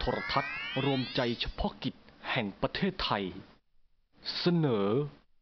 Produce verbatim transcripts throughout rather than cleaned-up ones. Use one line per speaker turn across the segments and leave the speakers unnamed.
ทรทัศน์รวมใจเฉพาะกิจแห่งประเทศไทยเสนอ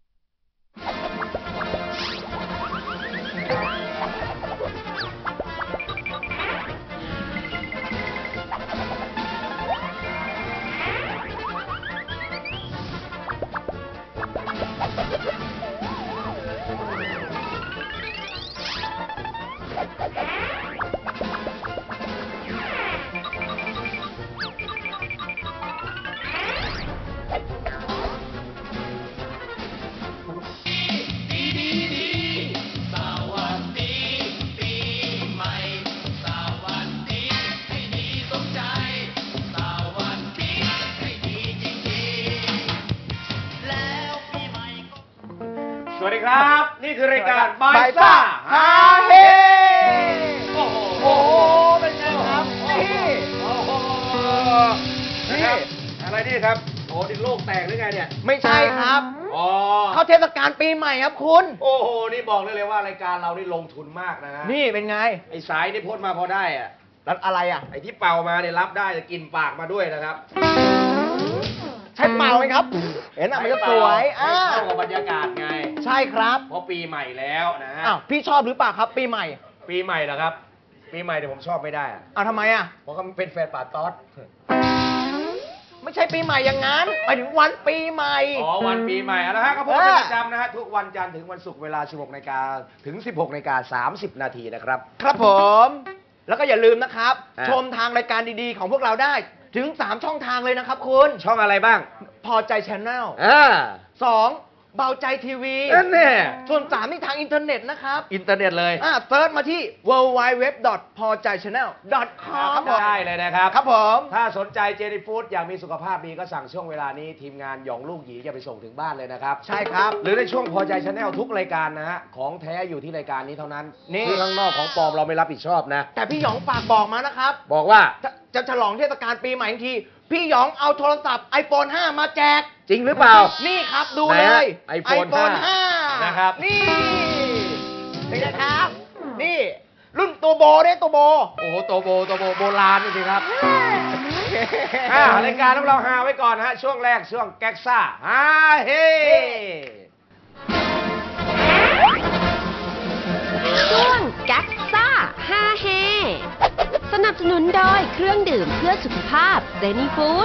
สวัสดีครับนี่คือรายการบายซ่าฮาเฮโอ้โหโอ้โหเป็นไงครับนี่โอ้โหนี่อะไรนี่ครับโอ้ดิโลกแตกหรือไงเนี่ย
ไม่ใช่ครับ
อ๋อ
เข้าเทศกาลปีใหม่ครับคุณ
โอ้โหนี่บอกได้เลยว่ารายการเรานี่ลงทุนมากนะฮะ
นี่เป็นไง
ไอ้สายนี่พ่นมาพอได้อะ
แล้วอะไรอ่ะ
ไอ้ที่เป่ามาเนี่ยรับได้จะกินปากมาด้วยนะครับ
ใช่เป่าไหมครับเห็นอ่ะมันก็สวย
อ่าเข้ากับบรรยากาศไง
ใช่ครับ
เพราะปีใหม่แล้วนะฮะ
อ้าวพี่ชอบหรือเปล่าครับปีใหม่
ปีใหม่เหรอครับปีใหม่แต่ผมชอบไม่ได้
อ้าวทำไมอ่ะ
เพราะเขาเป็นแฟนป่าต๊อด
ไม่ใช่ปีใหม่อย่างนั้นไปถึงวันปีใหม่
อ๋อวันปีใหม่นะฮะก็พบกันประจำนะฮะทุกวันจันทร์ถึงวันศุกร์เวลา สิบหกนาฬิกา ถึง สิบหกนาฬิกาสามสิบนาทีนะครับ
ครับผมแล้วก็อย่าลืมนะครับชมทางรายการดีๆของพวกเราได้ถึงสามช่องทางเลยนะครับคุณ
ช่องอะไรบ้าง
พอใจชาแนล
อ่า
สองเบาใจทีวี
นั่นแน่
ส่วนสามนี่ทางอินเทอร์เน็ตนะครับ
อินเทอร์เน็ตเลย
อ่าเซิร์ชมาที่ ดับเบิลยู ดับเบิลยู ดับเบิลยู ดอท พอใจชาแนล ดอท คอม
ได้เลยนะครับ
ครับผม
ถ้าสนใจเจนี่ฟู้ดอยากมีสุขภาพดีก็สั่งช่วงเวลานี้ทีมงานหยองลูกหยีจะไปส่งถึงบ้านเลยนะครับ
ใช่ครับ
หรือในช่วงพอใจชาแนลทุกรายการนะฮะของแท้อยู่ที่รายการนี้เท่านั้นที่ข้างนอกของปลอมเราไม่รับผิดชอบนะ
แต่พี่หยองฝากบอกมานะครับ
บอกว่า
จะฉลองเทศกาลปีใหม่ทีพี่หยองเอาโทรศัพท์ ไอโฟน ห้า มาแจก
จริงหรือเปล่า
นี่ครับดูเลย
ไอโฟน
ห้า
นะครับ
นี่นี่นะครับนี่รุ่นตัวโบเนี่ยตัวโบ
โอ้โหตัวโบตัวโบโบราณจริงๆครับรายการของเราฮาไว้ก่อนนะฮะช่วงแรกช่วงแก๊กซ่าฮาเฮ
ช่วงแก๊กซ่าฮาเฮสนับสนุนโดยเครื่องดื่มเพื่อสุขภาพเจนี่ฟู้ด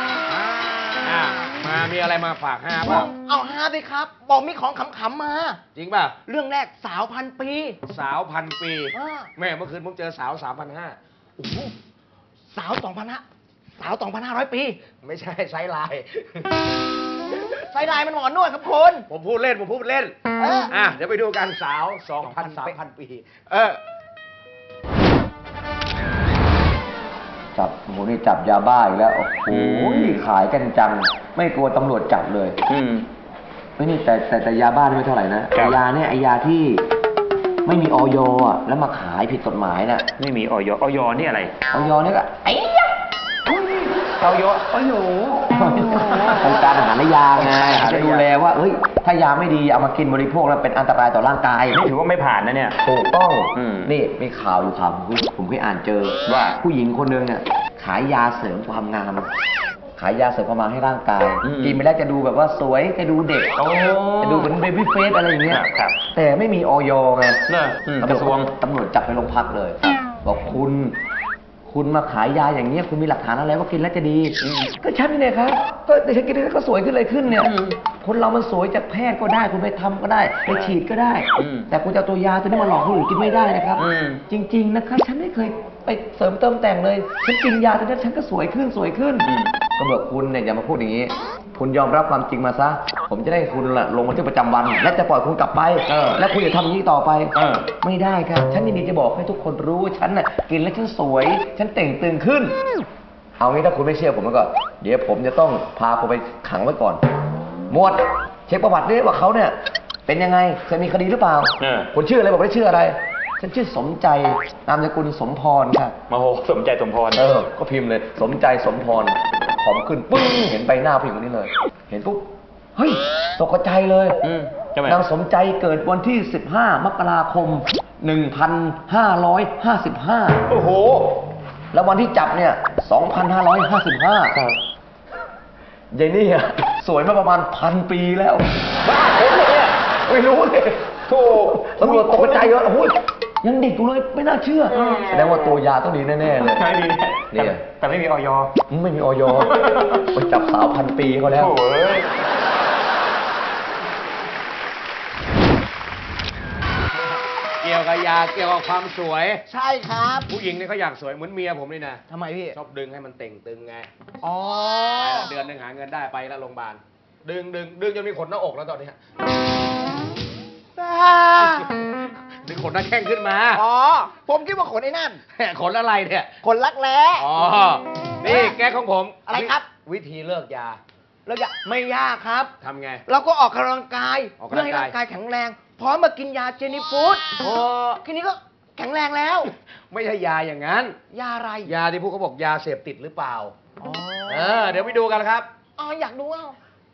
มามีอะไรมาฝากฮาป่ะ
เอาฮาสิครับบอกมีของขำๆมา
จริงป่ะ
เรื่องแรกสาวพันปี
สาวพันปีแม่เมื่อคืนผมเจอสาวสามพันห้า
โอ้โหสาวสองพันห้าสาวสองพันห้าร้อยปี
ไม่ใช่ไซไลน์
ไซไลน์มันหมอนวดครับคุณ
ผมพูดเล่นผมพูดเล่นอ่ะเดี๋ยวไปดูกันสาวสองพันสามพันปีเออ
จับโอ้โหนี่จับยาบ้าอีกแล้วโอ้โหขายกันจังไม่กลัวตำรวจจับเลยอืมไม่นี่แต่แต่แต่ยาบ้านี่ไม่เท่าไหร่นะแต่ยาเนี่ยไอยาที่ไม่มีออยอ่ะแล้วมาขายผิดกฎหมายน่ะ
ไม่มีออยออยนี่อะไร
ออยเนี่ยก็ไอ้ยะ
ออย
โอ้โหองค์การอาหารและยาไงจะดูแลว่าเอ้ยถ้ายาไม่ดีเอามากินบริโภคแล้วเป็นอันตรายต่อร่างกาย
นี่ถือว่าไม่ผ่านนะเนี่ย
ถูกต้องนี่มีข่าวอยู่ข่าวผมเคยอ่านเจอว่าผู้หญิงคนนึงเนี่ยขายยาเสริมความงามขายยาเสริมความงามให้ร่างกายกินไปแล้วจะดูแบบว่าสวยจะดูเด็กจะดูเหมือนเบบี้เฟสอะไรอย่างเงี้ยแต่ไม่มีออยไง
กระทรวง
ตำรวจจับไปโรงพักเลยบอกคุณคุณมาขายยาอย่างนี้คุณมีหลักฐานอะไรว่ากินแล้วจะดีก็ฉันนี่ครับก็แต่ฉันกินแล้วก็สวยขึ้นเลยขึ้นเนี่ยคนเรามันสวยจากแพทย์ก็ได้คุณไปทำก็ได้ไปฉีดก็ได้แต่คุณจะเอาตัวยาตัวนี้มาหลอกคนอื่นกินไม่ได้นะครับจริงๆนะครับฉันไม่เคยไปเสริมเติมแต่งเลยฉันกินยาตัวนี้ฉันก็สวยขึ้นสวยขึ้นก็บอกคุณเนี่ยอย่ามาพูดอย่างนี้คุณยอมรับความจริงมาซะผมจะได้คุณลงบันทึกประจำวันและจะปล่อยคุณกลับไปและคุณอย่าทำอย่างนี้ต่อไปไม่ได้ครับฉันยินดีจะบอกให้ทุกคนรู้ว่าฉันน่ะกินแล้วฉันสวยฉันเต่งตึงขึ้นเอางี้ถ้าคุณไม่เชื่อผมแล้วก็เดี๋ยวผมจะต้องพาคุณไปขังไว้ก่อนหมวดเช็คประวัติด้วยว่าเขาเนี่ยเป็นยังไงเคยมีคดีหรือเปล่าคุณชื่ออะไรบอกได้ชื่ออะไรฉันชื่อสมใจนามสกุลสมพรค่ะ
มาโหสมใจสมพร
เออก็พิมพ์เลยสมใจสมพรผอมขึ้นปึ้งเห็นใบหน้าผู้หญิงคนนี้เลยเห็นปุ๊บเฮ้ยตกใจเลยนางสมใจเกิดวันที่สิบห้ามกราคมหนึ่งพันห้าร้อยห้าสิบห้า
โอ้โห
แล้ววันที่จับเนี่ยสสองพันห้าร้อยห้าสิบห้า
ครับ
ยายนี่อะสวยมาประมาณพันปีแล้วบ้าคนเลยเนี่ยไม่รู้เลยโธ่ตำรวจตกใจเยอะโอ้ยยังเด็กอยู่เลยไม่น่าเชื่อแสดงว่าตัวยาต้องดีแน่ๆเลย
ใช่ดี
เนี่ย
แต่แต่ไม่มีออย
ไม่มีออยไปจับสาวพันปีเขาแล้ว
โอ้ย
เกี่ยวกับยาเกี่ยวกับความสวย
ใช่ครับ
ผู้หญิงนี่เขาอยากสวยเหมือนเมียผมนี่นะ
ทำไมพี่
ชอบดึงให้มันเต่งตึงไง
อ๋อ
ไปละเดือนหนึ่งหาเงินได้ไปแล้วโรงพยาบาลดึงดึงดึงจนมีขนหน้าอกแล้วตอนนี้ ดึงขนหน้าแข้งขึ้นมา
อ๋อ ผมคิดว่าขนไอ้นั่น
ขนอะไรเนี่ย
ขนรักแร้
อ๋อ นี่แก้ของผม
อะไรครับ
วิธีเลิกยา
แล้วอย่าไม่ยากครับ
ทำไง
เราก็ออกกำลังกาย
ออก
เพื่
กำลั
อง ให้
กาย
ร่างกายแข็งแรง พร้อมมากินยาเจนี่ฟู้ด
โอ้
ทีนี้ก็แข็งแรงแล้ว
ไม่ใช่ยาอย่างนั้น
ยาอะไร
ยาที่พวกเขาบอกยาเสพติดหรือเปล่า
อ๋อ
เออ เดี๋ยวไปดูกันครับ
อ๋ออยากดูอ่ะ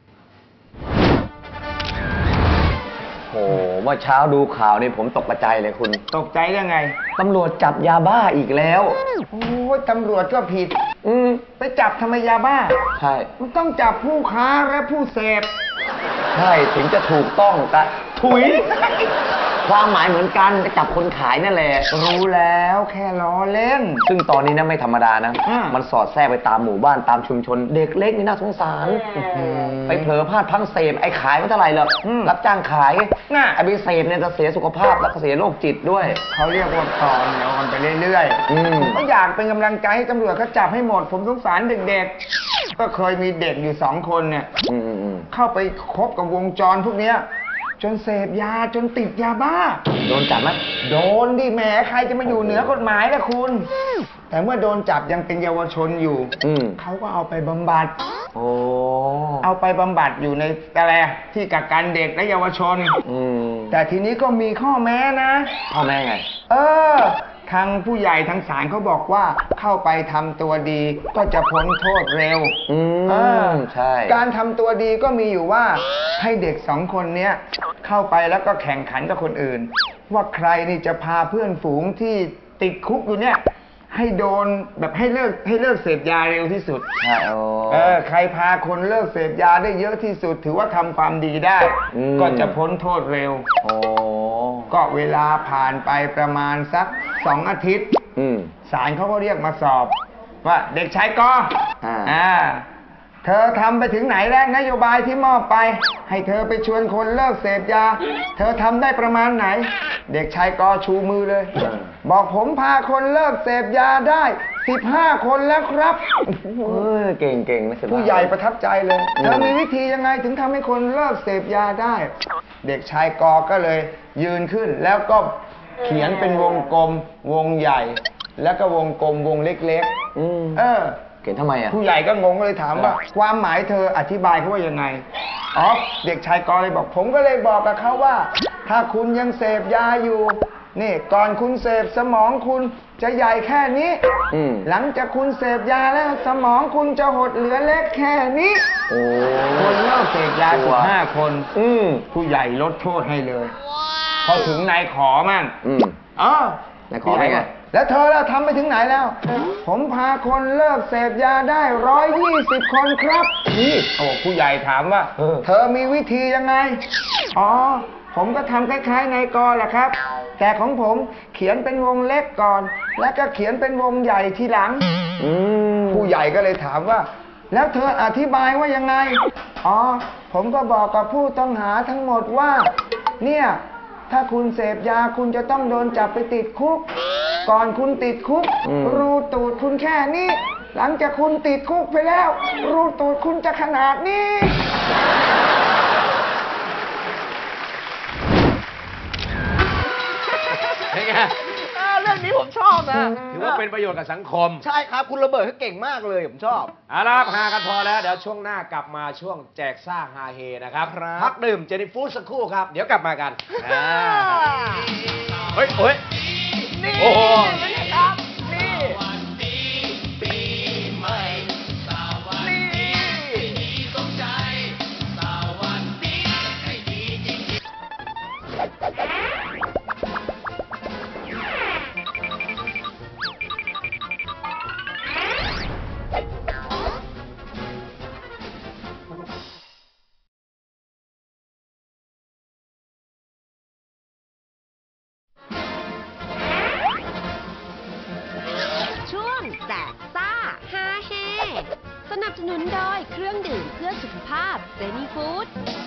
โอ้เมื่อเช้าดูข่าวนี่ผมตกกระจายเลยคุณ
ตกใจยังไง
ตำรวจจับยาบ้าอีกแล้ว
โอ้ยตำรวจก็ผิด
อืม
ไปจับทำไมยาบ้า
ใช่
มันต้องจับผู้ค้าและผู้เสพ
ใช่ถึงจะถูกต้องแต่ถุย ความหมายเหมือนกันจะจับคนขายนั่นแหละ
รู้แล้วแค่ล้อเล่น
ซึ่งตอนนี้นะไม่ธรรมดานะ
อืม
มันสอดแทรกไปตามหมู่บ้านตามชุมชน เด็กเล็กนี่น่าสงสาร ไปเผลอพลาดพลั้งเสพไอ้ขายไม่เท่าไหร่หรอก
อืม
รับจ้างขาย
น่ะ
ไอ้ไปเสพเนี่ยจะเสียสุขภาพแล้วก็เสียโรคจิตด้วย
เขาเรียกว่าต่อเหนียวกันไปเรื่อย
อืม
ผมก็อยากเป็นกำลังใจให้ตำรวจเขาจับให้หมด ผมสงสารเด็กๆ ก็เคยมีเด็กอยู่สองคนเนี่ย
อืมอืมอืม
เข้าไปคบกับวงจรพวกเนี้ย จนเสพยาจนติดยาบ้า
โดนจับไหม
โดนดิแหมใครจะมาอยู่เหนือกฎหมายล่ะคุณ แต่เมื่อโดนจับยังเป็นเยาวชนอยู่
อืม
เขาก็เอาไปบำบัด
โอ้
เอาไปบำบัดอยู่ในอะไรที่กักกันเด็กและเยาวชน
อืม
แต่ทีนี้ก็มีข้อแม้นะ
พ่อแม่ไง
เออ ทางผู้ใหญ่ทางศาลเขาบอกว่าเข้าไปทำตัวดีก็จะพ้นโทษเร็ว
อื
เออ
มใช่
การทำตัวดีก็มีอยู่ว่าให้เด็กสองคนเนี้ยเข้าไปแล้วก็แข่งขันกับคนอื่น ว่าใครนี่จะพาเพื่อนฝูงที่ติดคุกอยู่เนี่ย ให้โดนแบบให้เลิกให้เลิกเสพยาเร็วที่สุด
ใช่โอ้
เออใครพาคนเลิกเสพยาได้เยอะที่สุด ถือว่าทำความดีได้
อืม
ก็จะพ้นโทษเร็ว
โอ้
ก็เวลาผ่านไปประมาณสักสองอาทิตย์
อืม
ศาลเขาก็เรียกมาสอบ ว่าเด็กชายกอ
อ่า
อ่าเธอทำไปถึงไหนแล้วนโยบายที่มอบไป ให้เธอไปชวนคนเลิกเสพยา เธอทำได้ประมาณไหน เด็กชายกอชูมือเลย บอกผมพาคนเลิกเสพยาได้สิบห้าคนแล้วครับ
เออเก่งเก่งนะสิบห้า
ผู้ใหญ่ประทับใจเลย
อืม
เธอมีวิธียังไงถึงทำให้คนเลิกเสพยาได้ เด็กชายกอก็เลยยืนขึ้น แล้วก็เขียนเป็นวงกลม วงใหญ่ แล้วก็วงกลมวงเล็ก
อืม
ๆ เออ
เก่งทำไมอ่ะ
ผู้ใหญ่ก็งงเลยถามว่า ความหมายเธออธิบายเขาว่ายังไง อ๋อ เด็กชายกอเลยบอก ผมก็เลยบอกกับเขาว่า ถ้าคุณยังเสพยาอยู่ นี่ก่อนคุณเสพสมองคุณจะใหญ่แค่นี้
อืม
หลังจากคุณเสพยาแล้วสมองคุณจะหดเหลือเล็กแค่นี้
โอ้
คนเลิกเสพยาสิบห้าคน
อืม
ผู้ใหญ่ลดโทษให้เลย พอถึงนายขอมั่ง
อืม
อ๋อน
ายขอเป็นไง
แล้วเธอล่ะทำไปถึงไหนแล้ว ผมพาคนเลิกเสพยาได้ร้อยยี่สิบคนครับ นี่โอ้ผู้ใหญ่ถามว่า
เออ
เธอมีวิธียังไง อ๋อ ผมก็ทำคล้ายๆนายกอแหละครับ แต่ของผมเขียนเป็นวงเล็กก่อน แล้วก็เขียนเป็นวงใหญ่ทีหลัง
อืม
ผู้ใหญ่ก็เลยถามว่า แล้วเธออธิบายว่ายังไง อ๋อ ผมก็บอกกับผู้ต้องหาทั้งหมดว่า เนี่ย ถ้าคุณเสพยาคุณจะต้องโดนจับไปติดคุก ก่อนคุณติดคุก
อืม
รูตูดคุณแค่นี้ หลังจากคุณติดคุกไปแล้ว รูตูดคุณจะขนาดนี้
เป็นไง
อ่าเรื่องนี้ผมชอบนะ
ถือว่าเป็นประโยชน์กับสังคม
ใช่ครับ คุณระเบิดเขาเก่งมากเลย ผมชอบ
เอาละครับหากันพอแล้ว เดี๋ยวช่วงหน้ากลับมาช่วงแจกซ่าฮาเฮนะครับ
ครับ
พักดื่มเจนี่ฟู้ดสักครู่ครับ เดี๋ยวกลับมากันอ่าเฮ้ยเฮ้ย
นี่
โอ้โห
นี่ครับ นี่
อ
เครื่องดื่มเพื่อสุขภาพเจนี่ฟู้ด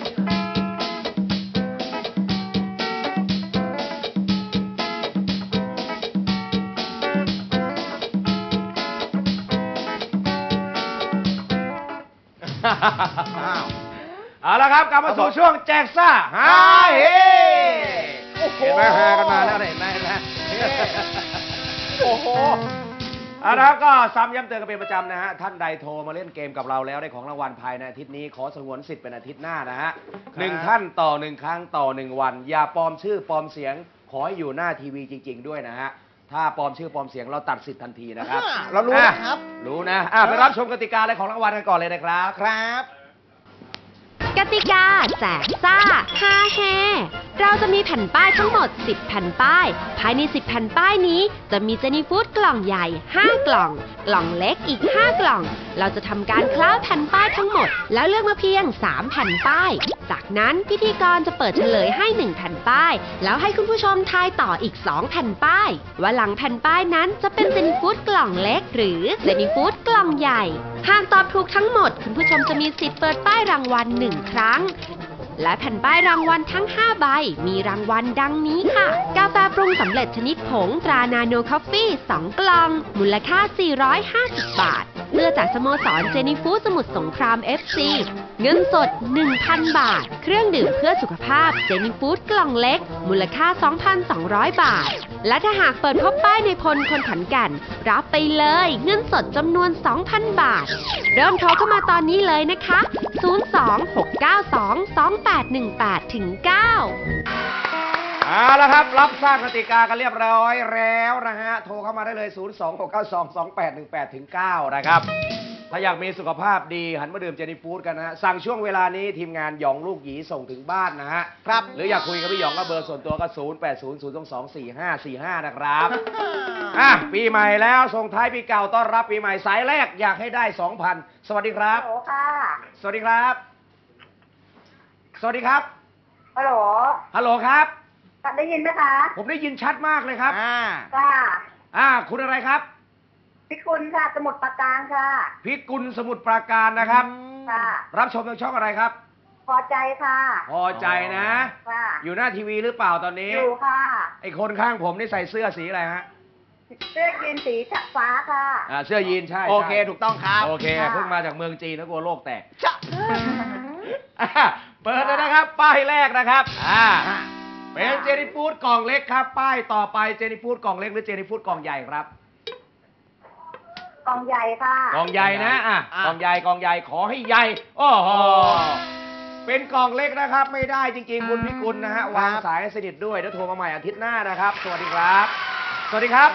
เอาละครับกลับมาสู่ช่วงแจกซ่าฮาเฮเห็นไหมฮากันมาแล้วเห็นไหมนะโอ้โหเอาละครับก็ซ้ำย้ำเตือนกันเป็นประจำนะฮะท่านใดโทรมาเล่นเกมกับเราแล้วได้ของรางวัลภายในอาทิตย์นี้ขอสงวนสิทธิ์เป็นอาทิตย์หน้านะฮะหนึ่งท่านต่อหนึ่งครั้งต่อหนึ่งวันอย่าปลอมชื่อปลอมเสียงขอให้อยู่หน้าทีวีจริง ๆด้วยนะฮะถ้าปลอมชื่อปลอมเสียงเราตัดสิทธิ์ทันทีนะครับ
อ่าเรารู้นะครับ
รู้นะอ่ะไปรับชมกติกาและของรางวัลกันก่อนเลยนะครับ
ครับ
กติกาแจกซ่าฮาเฮเราจะมีแผ่นป้ายทั้งหมดสิบแผ่นป้าย ภายในสิบแผ่นป้ายนี้จะมีเจนี่ฟู้ดกล่องใหญ่ห้ากล่อง กล่องเล็กอีกห้ากล่อง เราจะทำการคล้าแผ่นป้ายทั้งหมด แล้วเลือกมาเพียงสามแผ่นป้าย จากนั้นพิธีกรจะเปิดเฉลยให้หนึ่งแผ่นป้าย แล้วให้คุณผู้ชมทายต่ออีกสองแผ่นป้าย ว่าหลังแผ่นป้ายนั้นจะเป็นเจนี่ฟู้ดกล่องเล็ก หรือเจนี่ฟู้ดกล่องใหญ่ หากตอบถูกทั้งหมดคุณผู้ชมจะมีสิทธิ์เปิดป้ายรางวัลหนึ่งครั้ง และแผ่นป้ายรางวัลทั้งห้าใบมีรางวัลดังนี้ค่ะกาแฟปรุงสำเร็จชนิดผงตรานาโนคอฟฟี่สองกล่องมูลค่าสี่ร้อยห้าสิบบาทเสื้อจากสโมสรเจนี่ฟู้ดสมุทรสงคราม เอฟ ซี เงินสด หนึ่งพัน บาท เครื่องดื่มเพื่อสุขภาพเจนี่ฟู้ดกล่องเล็กมูลค่า สองพันสองร้อย บาทและถ้าหากเปิดพบป้ายในพลคนขอนแก่นรับไปเลยเงินสดจำนวน สองพัน บาทเริ่มโทรเข้ามาตอนนี้เลยนะคะ ศูนย์ สอง หก เก้า สอง สอง แปด หนึ่ง แปด เก้า
เอาละครับรับทราบกติกากันเรียบร้อยแล้วนะฮะโทรเข้ามาได้เลย ศูนย์ สอง หก เก้า สอง สอง แปด หนึ่ง แปด เก้า นะครับถ้าอยากมีสุขภาพดีหันมาดื่มเจนี่ฟู้ดกันนะฮะสั่งช่วงเวลานี้ทีมงานหยองลูกหยีส่งถึงบ้านนะฮะครับหรืออยากคุยกับพี่หยองก็เบอร์ส่วนตัวก็ ศูนย์ แปด ศูนย์ ศูนย์ สอง สอง สี่ ห้า สี่ ห้า นะครับอ่ะปีใหม่แล้วส่งท้ายปีเก่าต้อนรับปีใหม่สายแรกอยากให้ได้ สองพัน สวัสดีครับ
ฮัลโหลค่ะ
สวัสดีครับ สวัสดีครับ
ฮัลโหล
ฮัลโหลครับ
ได้ยินไหมคะ
ผมได้ยินชัดมากเลยครับ
อ่า
ค่ะ
อ่าคุณอะไรครับ
พิคุณค่ะ สมุดปราการค่ะ
พิกุลสมุทรปราการนะครับ
ค่ะ
รับชมทางช่องอะไรครับ
พอใจค่ะ
พอใจนะ
ค่ะ
อยู่หน้าทีวีหรือเปล่าตอนนี้
อยู่ค่ะ
ไอคนข้างผมนี่ใส่เสื้อสีอะไรฮะ
เสื้อยีนสีฟ้าค่ะ
อ่าเสื้อยีนใช่
โอเค
ใช่
ถูกต้องครับ
โอเค
ค่ะ
เพิ่งมาจากเมืองจีนนะกลัวโลกแตก
จ้ะ
อ่ะเปิดเลยนะครับ ป้ายแรกนะครับอ่าเป็นเจนี่ฟู้ดกล่องเล็กครับ ป้ายต่อไปเจนี่ฟู้ดกล่องเล็กหรือเจนี่ฟู้ดกล่องใหญ่ครับ
กองใหญ่ค่ะ
กล่องใหญ่นะอ่ะ
อ่ะ
กล่องใหญ่กล่องใหญ่ขอให้ใหญ่โอ้โหเป็นกล่องเล็กนะครับ ไม่ได้จริงๆคุณพิกุลนะฮะวางสายให้สนิทด้วยเดี๋ยวโทรมาใหม่อาทิตย์หน้านะครับ สวัสดีครับ สวัสดีครับ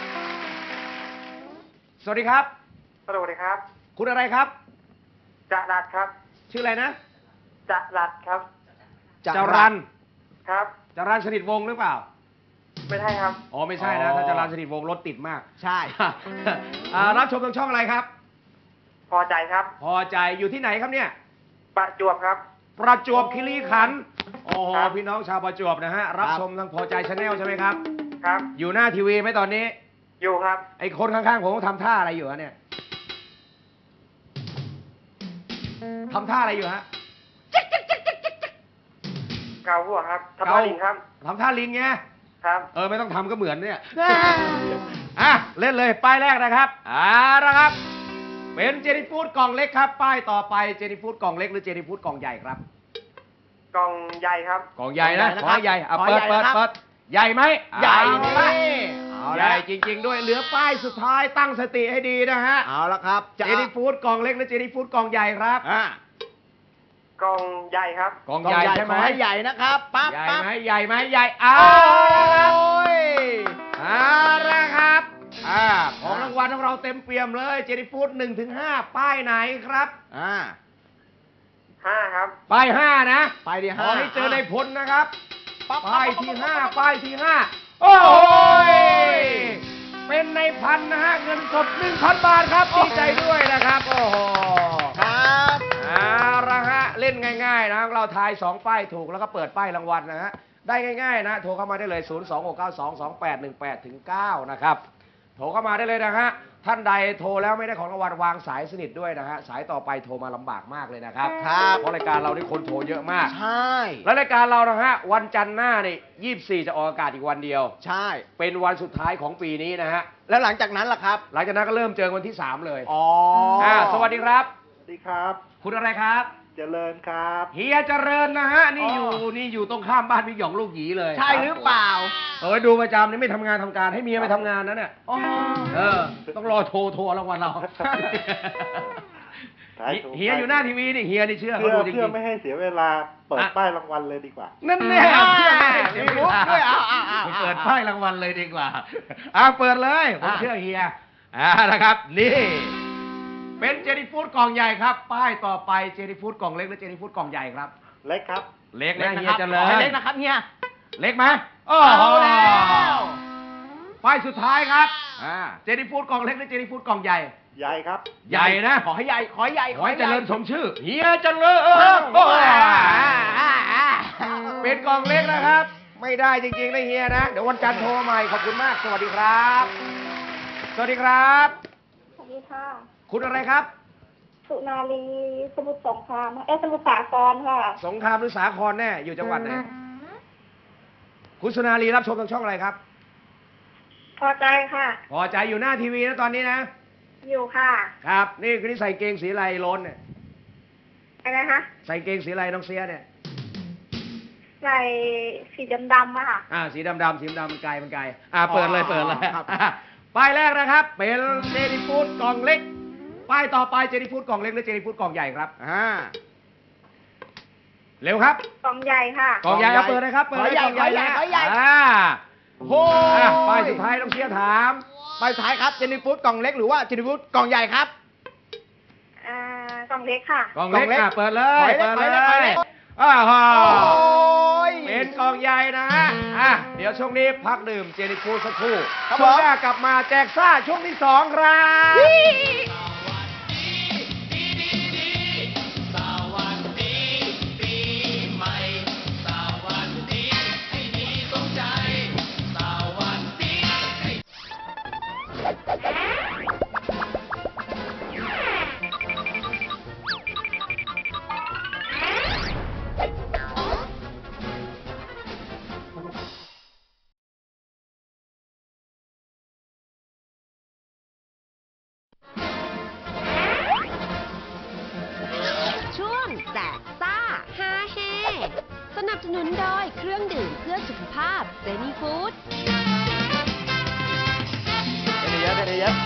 สวัสดีครับ
สวัสดีครับ
คุณอะไรครับ
จะรัดครับ
ชื่ออะไรนะ
จะรัดครับ
จรัน
ครับ
จรันสนิทวงศ์หรือเปล่า
ไม่ใช่ครับ
อ๋อไม่ใช่นะ ถ้าจรันสนิทวงศ์รถติดมาก
ใช่
อ่ารับชมทางช่องอะไรครับ
พอใจครับ
พอใจอยู่ที่ไหนครับเนี่ย
ประจวบครับ
ประจวบคีรีขันธ์โอ้โห
ครับ
พี่น้องชาวประจวบนะฮะ รับ
ครับ
ชมทางพอใจชาแนลใช่ไหมครับ
ครับ
อยู่หน้าทีวีไหมตอนนี้
อยู่ครับ
ไอ้คนข้างๆผมทำท่าอะไรอยู่ฮะเนี่ยทำท่าอะไรอยู่ฮะ
เกาหัวครับทับ
เกา
ลิงครับ
ทำท่าลิงไง
ครับ
เออไม่ต้องทำก็เหมือนเนี่ย อ่ะเล่นเลยป้ายแรกนะครับอ่าละครับ เป็นเจนี่ฟู้ดกล่องเล็กครับ ป้ายต่อไปเจนี่ฟู้ดกล่องเล็กหรือเจนี่ฟู้ดกล่องใหญ่ครับ
กองใหญ่ครับ
กล่องใหญ่นะ
กล่องใหญ่
ขอ
นะครับ
ให้ใหญ่อ่ะเปิด
ขอให้
เปิด
ใหญ่นะครับ
เปิดใหญ่ไหม
ใหญ่
เอา
นี่
ละ
เอา
ให
ละ
ญ่จริง ๆ ด้วยเหลือป้ายสุดท้ายตั้งสติให้ดีนะฮะ
เอาละครับ
เจนี่ฟู้ดกล่องเล็กหรือเจนี่ฟู้ดกล่องใหญ่ครับ
อ่าก
องใหญ่ครับ
กล่อง
กล่
ให
อง
ญ่
ใหญ่
ใช่
ข
ไหม
อให้ใหญ่นะครับปั๊บ
ใหญ่
ปั๊บ
ไหมใหญ่ไหมใหญ่เอา
โอ้ย
เอาละครับอ่าของรางวัลของเราเต็มเปี่ยมเลยเจนี่ฟู้ดหนึ่งถึงห้าป้ายไหนครับ
อ่า
ห้าครับ
ป้ายห้านะ
ไปที่
ข
ห้า
อให้เจอในพลนะครับ
ปั๊บ
ป้ายที่ห้าป้ายที่ห้าโอ้ยเป็นในพันนะฮะเงินสดหนึ่งพันบาทครับดีใจด้วยนะครับโอ้โห
ครับ
เอาละฮะเล่นง่ายๆนะเราทายสองป้ายถูกแล้วก็เปิดป้ายรางวัลนะฮะได้ง่ายๆนะโทรเข้ามาได้เลย ศูนย์ สอง หก เก้า สอง สอง แปด หนึ่ง แปด เก้า นะครับโทรเข้ามาได้เลยนะฮะท่านใดโทรแล้วไม่ได้ของรางวัลวางสายสนิทด้วยนะฮะสายต่อไปโทรมาลำบากมากเลยนะครับ
ครับ
เพราะรายการเรานี่คนโทรเยอะมาก
ใช่
และรายการเรานะฮะวันจันทร์หน้านี่ยี่สิบสี่จะออกอากาศอีกวันเดียว
ใช่
เป็นวันสุดท้ายของปีนี้นะฮะ
แล้วหลังจากนั้นล่ะครับ
หลังจากนั้นก็เริ่มเจอกันวันที่สามเลย
อ๋อ
อ่าสวัสดีครับ
สวัสดีครับ
คุณอะไรครับ
เจริญครับ
เฮียเจริญนะฮะนี่อยู่นี่อยู่ตรงข้ามบ้านพี่หยองลูกหยีเลย
ใช่หรือเปล่า
เออดูประจำนี่ไม่ทำงานทำการให้เมียไปทำงานนะเนี่ย
อ๋อ
เออ ต้องรอโทรโทรรางวัลเรา เฮียอยู่หน้าทีวีนี่เฮียนี่เชื่อเขา
เพื่อ
ดูจริง
เพื่อไม่ให้เสียเวลาเปิด
อ่ะ
ป้ายรางวัลเลยดีกว่า
ๆนั่นแน่
อ่า
เชื่อไม่ให้เสีย
มี
เว
มุก
ลา
ด้วยอ่ะอ่ะอ่ะ
ไป
อ่ะ
เปิดป้ายรางวัลเลยดีกว่าอ่าเปิดเลยผม
อ่ะ
เชื่อเฮียอ่านะครับ นี่ เป็นเจนี่ฟูดกล่องใหญ่ครับ ป้ายต่อไปเจนี่ฟูดกล่องเล็กหรือเจนี่ฟูดกล่องใหญ่ครับ
เล็กครับ
เล็ก
เล็ก
นะ
นะ
เฮี
ค
ย
รับ
เจ
ข
ริ
อ
ญ
ให้เล็กนะครับเฮีย
เล็กไหมโอ้
เอา
โห
แล้ว
ป้ายสุดท้ายครับอ่าเจนี่ฟูดกล่องเล็กหรือเจนี่ฟูดกล่องใหญ่
ใหญ่ครับ
ใหญ่นะ
ขอให้ใหญ่ ขอให้ใหญ่
ขอให้
ให
เจ
ญ่
ริญสมชื่อเฮียเจริญ
โอ้
โอ้
โห
ย
อ่าอ่า
เป็นกล่องเล็กนะครับ ไม่ได้จริงๆนะเฮียนะ เดี๋ยววันจันทร์โทรใหม่ขอบคุณมาก สวัสดีครับ สวัสดีครับ
สวัสดีค่ะ
คุณอะไรครับ
สุนารีสมุทรสงครามเอ้ยสมุทรสาครค่ะ
สงครามหรือสาครแน่อยู่จังหวัดไหนคุณสุนารีรับชมทางช่องอะไรครับ
พอใจค่ะ
พอใจอยู่หน้าทีวีนะตอนนี้นะ
อยู่ค่ะ
ครับ นี่คือนี่ใส่เกงสีอะไรล้นเนี่ย
อะไรนะคะ
ใส่เกงสีอะไรน้องเสียเนี่ย
ใส่สีดำๆอะค่ะ
อ่าสีดำๆสีดำๆมันไกลมันไกลอ่าเปิดเลย
อ๋อ
เปิดเลย
ครับ
อ่ะป้ายแรกนะครับ เป็นเจนี่ฟูดกล่องเล็ก ป้ายต่อไปเจนี่ฟูดกล่องเล็กหรือเจนี่ฟูดกล่องใหญ่ครับ
อ่า
เร็วครับ
กล่องใหญ่ค่ะ
กล่องใหญ่
กล่
เอา
องใหญ่
เปิดเลยครับเปิดเลย
ข
ก
อ
ล่อง
ใหญ่
ใหญ่
ขอใหญ่
นะ
ขอใหญ่
อ่า
โอ้
อ่ะ
ย
ป้ายสุดท้ายต้องเชียร์ถาม
ป้ายสุดท้ายครับ เจนี่ฟูดกล่องเล็กหรือว่าเจนี่ฟูดกล่องใหญ่ครับ
อ่ากล่องเล็กค่ะ
กล่องเล็ก
กล่องเล็ก
อ่ะเปิดเลย
ขอให้เล็
เปิ
ก
ด
ขอให้
เล
เล็กขอให้เล็
ย
ก
อ้าว
โอ้ย
เป็นกล่องใหญ่นะฮะอ่ะเดี๋ยวช่วงนี้พักดื่มเจนี่ฟูดสักครู่
ครับ
ช่วง
ผม
หน้ากลับมาแจกซ่าช่วงที่สองครับ
ช่วงแจกซ่าฮาเฮสนับสนุนโดยเครื่องดื่มเพื่อสุขภาพเจนี่ฟู้ด
เป็นเยอะเป็นเยอะ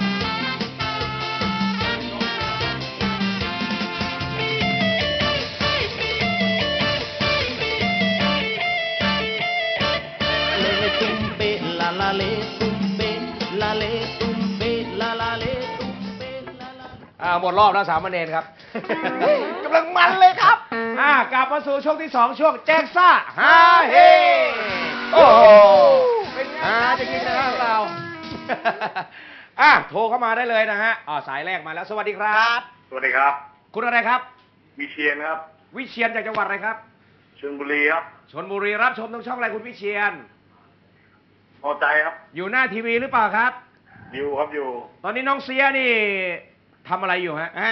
เลตุ้มเปลาลาเลตุ้มเปลาเลตุ้มเปลาลาเลตุ้มเปลาลา
อ่าหมดรอบแล้วสามเณรครับ
กำลังมันเลยครับ
อ่ากลับมาสู่ช่วงที่สองช่วงแจกซ่าฮาเฮโอ้โหเป็นไงฮาจริงๆนะฮะเรา อ่ะโทรเข้ามาได้เลยนะฮะอ่าสายแรกมาแล้วสวัสดีครับ
สวัสดีครับ
คุณอะไรครับ
วิเชียนครับ
วิเชียนจากจังหวัดอะไรครับ
ชลบุรีครับ
ชนบุรีรับชมทางช่องอะไรคุณวิเชียน
พอใจครับ
อยู่หน้าทีวีหรือเปล่าครับ
อยู่ครับอยู่
ตอนนี้น้องเสียนี่ทำอะไรอยู่ฮะอ่า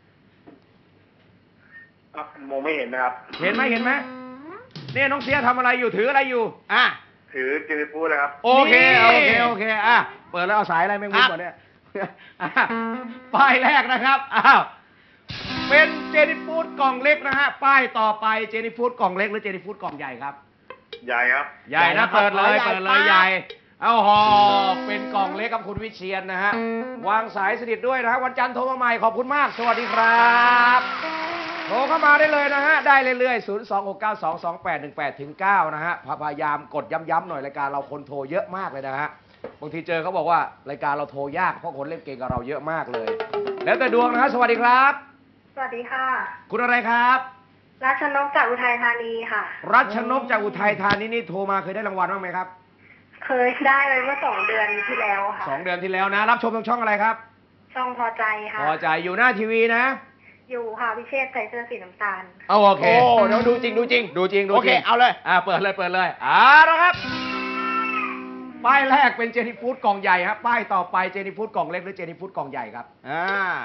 อ่ะมองไม่เห็นนะครับ
เห็นไหมเห็นไหมเนี่ยน้องเสียทำอะไรอยู่ถืออะไรอยู่อ่ะ
ถือเจนิฟูดเลยครับ
โอเค
นี่
โอเค โอเค อ่ะ เปิดแล้วเอาสายอะไรแมงมุม
ครับ
ก่อนเนี่ยอ่ะป้ายแรกนะครับ อ้าว เป็นเจนี่ฟูดกล่องเล็กนะฮะ ป้ายต่อไปเจนี่ฟูดกล่องเล็กหรือเจนี่ฟูดกล่องใหญ่ครับ
ใหญ่ครับ
ใหญ่นะ เปิดเลย
ใหญ่
เปิดเลย
ปั๊บ
ใหญ่ เอาหอเป็นกล่องเล็กกับคุณวิเชียนนะฮะ วางสายสนิทด้วยนะฮะ วันจันทร์โทรมาใหม่ ขอบคุณมาก สวัสดีครับ โทรเข้ามาได้เลยนะฮะ ได้เรื่อยๆ ศูนย์ สอง หก เก้า สอง สอง แปด หนึ่ง แปด ถึง เก้า นะฮะ พยายามกดย้ำๆหน่อยรายการเราคนโทรเยอะมากเลยนะฮะ บางทีเจอเขาบอกว่ารายการเราโทรยากเพราะคนเล่นเกมกับเราเยอะมากเลย แล้วแต่ดวงนะฮะ สวัสดีครับ
สวัสดีค่ะ
คุณอะไรครับ
รัชนกจากอุทัยธานีค่ะ
รัชนกจากอุทัยธานีนี่โทรมาเคยได้รางวัลบ้างไหมครับ
เคยได้ไปเมื่อสองเดือนที่แล้วค่ะ
สองเดือนที่แล้วนะ รับชมทางช่องอะไรครับ
ช่องพอใจค่ะ
พอใจอยู่หน้าทีวีนะ
อยู่ค่ะพิเชษใส่เสื้อสีน้ำตาล
เอาโอเค
โอ้เดี๋ยวดูจริงดูจริง
ดูจริงดูจริง
โอเคเอาเลย
อ่าเปิดเลยเปิดเลยอ่าแล้วครับป้ายแรกเป็นเจนี่ฟูดกล่องใหญ่ครับป้ายต่อไปเจนี่ฟูดกล่องเล็กหรือเจนี่ฟูดกล่องใหญ่ครับอ่าก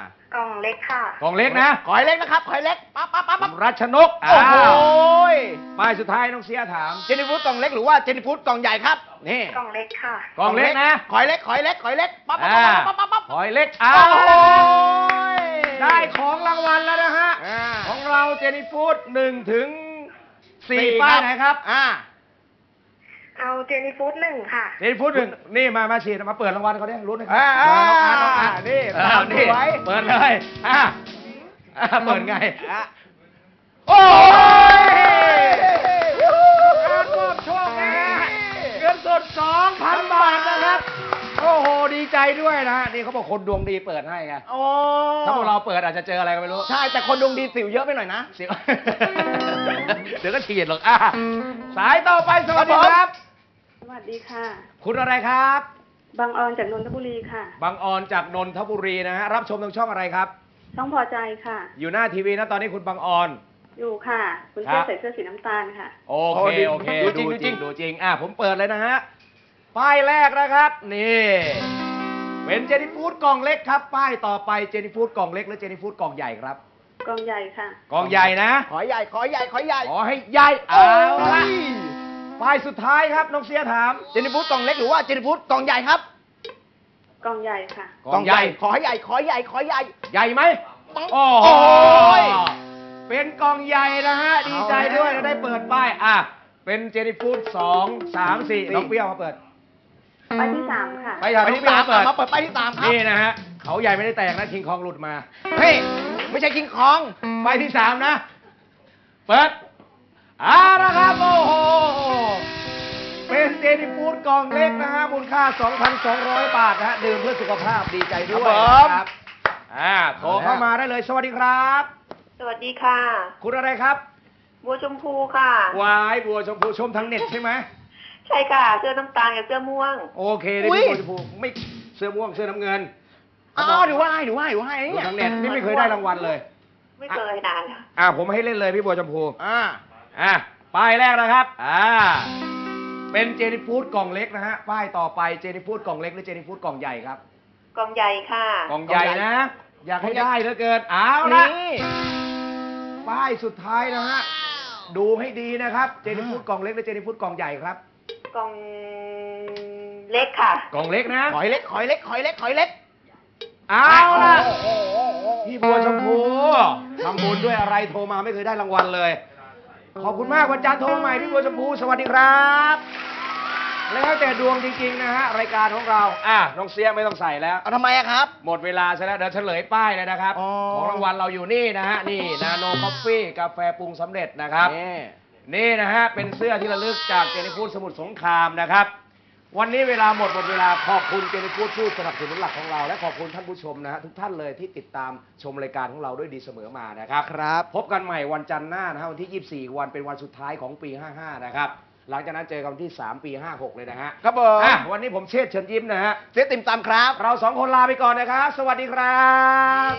ล่องเล็กค่ะ
กล่องเล็กนะ
ขอยเล็กนะครับขอยเล็กปั๊บปั๊บปั๊บปั๊บ
รัชนก
โอ้โห
ยป้ายสุดท้ายน้องเสียถาม
เจนี่ฟูดกล่องเล็กหรือว่าเจนี่ฟูดกล่องใหญ่ครับนี่
กล่องเล็กค่ะ
กล่องเล็กนะ
ขอยเล็กขอยเล็กขอยเล็กปั๊บปั๊บ
อ่า
ปั๊บปั๊บปั๊บ
หอยเล็กอ้า
โอ้
ว
โห
ได้ของรางวัลแล้วนะฮะ
อ่า
ของเราเจนี่ฟูดหนึ่งถึงสี่
สี่
ป้าย
ครับ
ไหนครับ
อ่า
เอาเจนี่ฟูดหนึ่งค่ะ
เจนี่ฟูดหนึ่งนี่มามาฉีดมาเปิดรางวัลเขาเนี่ยรู้ไหมครั
อ่า
น้องอาร์ตน้องอาร์ต
นี่
อ้าว
ตาม
นี่
ไว้
เปิดเลยอ่าอ่าเปิดไง
อ่ะ
โอ้ยการมอบโชคนะฮะเงินสดสองพันบาทนะครับ โอ้โห ดีใจด้วยนะฮะ นี่เขาบอกคนดวงดีเปิดให้ไง
โอ้
ถ้าพวกเราเปิดอาจจะเจออะไรก็ไม่รู้
ใช่แต่คนดวงดีสิวเยอะไปหน่อยนะ
เสีย เดี๋ยวก็ฉีดหรอกอ่ะสายต่อไปสวัสดีครับ
สวัสดีค่ะ
คุณอะไรครับ
บางออนจากนนทบุรีค่ะ
บางออนจากนนทบุรีนะฮะ รับชมทางช่องอะไรครับ
ช่องพอใจค่ะ
อยู่หน้าทีวีนะตอนนี้คุณบางออน
อยู่ค่ะ คุณ
ครั
เพื่
บ
ใส่เสื้อสีน้ำตาลค่ะ
โอเค โอเค
ดูจริงดูจริง
ดูจริง อ่ะ ผมเปิดเลยนะฮะ ป้ายแรกนะครับ นี่ เป็นเจนี่ฟูดกล่องเล็กครับ ป้ายต่อไปเจนี่ฟูดกล่องเล็กหรือเจนี่ฟูดกล่องใหญ่ครับ
กล่องใหญ่ค่ะ
กล่องใหญ่นะ
ขอใหญ่ขอใหญ่ขอใหญ่
ขอให้ใหญ่เอาละป้ายสุดท้ายครับน้องเสียถาม
เจนี่ฟูดกล่องเล็กหรือว่าเจนี่ฟูดกล่องใหญ่ครับ
กล่องใหญ่ค่ะ
กล่องใหญ่
ขอให้ใหญ่ขอใหญ่ขอใหญ่
ใหญ่ไหม
ปัง
โอ้
โอ้
โห
ย
เป็นกล่องใหญ่นะฮะ ดีใจด้วย
เอาแล้ว
ได้เปิดป้าย อ่ะ เป็นเจนี่ฟูดสองสามสี่น้องเปรี้ยวมาเปิด
ไปที่สามค่ะ
ไปอย่าง
ไป
น้อง
ที่
เปรี้ย
สาว ม
มาเปิด
มาเปิดไปที่สามครับ
นี่นะฮะ เขาใหญ่ไม่ได้แตกนะคิงคองหลุดมา
เฮ้ยไม่ใช่คิงคอง
ไปที่สามนะ เปิดอ่านะครับ โอ้โห เป็นเจนี่ฟูดกล่องเล็กนะฮะ มูลค่า สองพันสองร้อย บาทนะฮะ ดื่มเพื่อสุขภาพดีใจด้วย
ครับผม
นะครับ อ่า โทรเข้ามาได้เลย สวัสดีครับ
สวัสดีค่ะ
คุณอะไรครับ
บัวชมพูค่ะ
วายบัวชมพูชมทางเน็ตใช่ไหม
ใช่ค่ะ เสื้อน้ำตาลกับเสื้อม่วง
โอเคได้
อุ๊
พี่
ย
บัวชมพูไม่เสื้อม่วงเสื้อน้ำเงิน
อ๋อดูว่าให้ดูว่าให้ดูให้
ดู
เนี่ย
ทางเน็ตนี่ไม่เคยได้รางวัลเลย
ไม่เคยนานแล้ว
อ่าผมให้เล่นเลยพี่บัวชมพู
อ่า
อ่ะป้ายแรกนะครับ อ่า เป็นเจนี่ฟูดกล่องเล็กนะฮะ ป้ายต่อไปเจนี่ฟูดกล่องเล็กหรือเจนี่ฟูดกล่องใหญ่ครับ
กล่องใหญ่ค่ะ
กล่องใหญ่นะ อยากให้ได้เหลือเกินเอาละ
นี่
ป้ายสุดท้ายนะฮะ ดูให้ดีนะครับ เจนี่ฟูดกล่องเล็กหรือเจนี่ฟูดกล่องใหญ่ครับ
กล่องเล็กค่ะ
กล่องเล็กนะ
ขอยเล็กขอยเล็กขอยเล็กขอยเล็ก
เอาละ
โอ้โห
พี่บัวชมพูทำบุญด้วยอะไรโทรมาไม่เคยได้รางวัลเลย ขอบคุณมากวันจันทร์โทรมาใหม่พี่บัวชมพูสวัสดีครับ แล้วแต่ดวงจริงๆนะฮะรายการของเรา อ่ะน้องเสียไม่ต้องใส่แล้ว
เอาทำไมอะครับ
หมดเวลาซะแล้วเดี๋ยวเฉลยป้ายเลยนะครับ
อ๋อ
ของรางวัลเราอยู่นี่นะฮะนี่นาโนคอฟฟี่กาแฟปรุงสำเร็จนะครับ
นี่
นี่นะฮะเป็นเสื้อที่ระลึกจากเจนิฟูดสมุทรสงครามนะครับ วันนี้เวลาหมดหมดเวลาขอบคุณเจนิฟูดผู้สนับสนุนหลักของเรา และขอบคุณท่านผู้ชมนะฮะทุกท่านเลยที่ติดตามชมรายการของเราด้วยดีเสมอมานะครับ
ครับ
พบกันใหม่วันจันทร์หน้านะฮะวันที่ยี่สิบสี่วันเป็นวันสุดท้ายของปีห้าห้านะครับหลังจากนั้นเจอกันวันที่สามปีห้าหกเลยนะฮะ
ครับผม
อ่ะวันนี้ผมเชษฐ์เชิญยิ้มนะฮะ
เจ๊ติ่มตำครับ
เราสองคนลาไปก่อนนะครับ สวัสดีครับ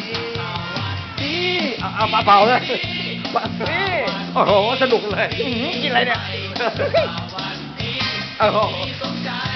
เอาเอาเบาๆเลยนี่โอ้โห สนุกเลย
อื้อหือกินอะไรเนี่ย
โอ้โห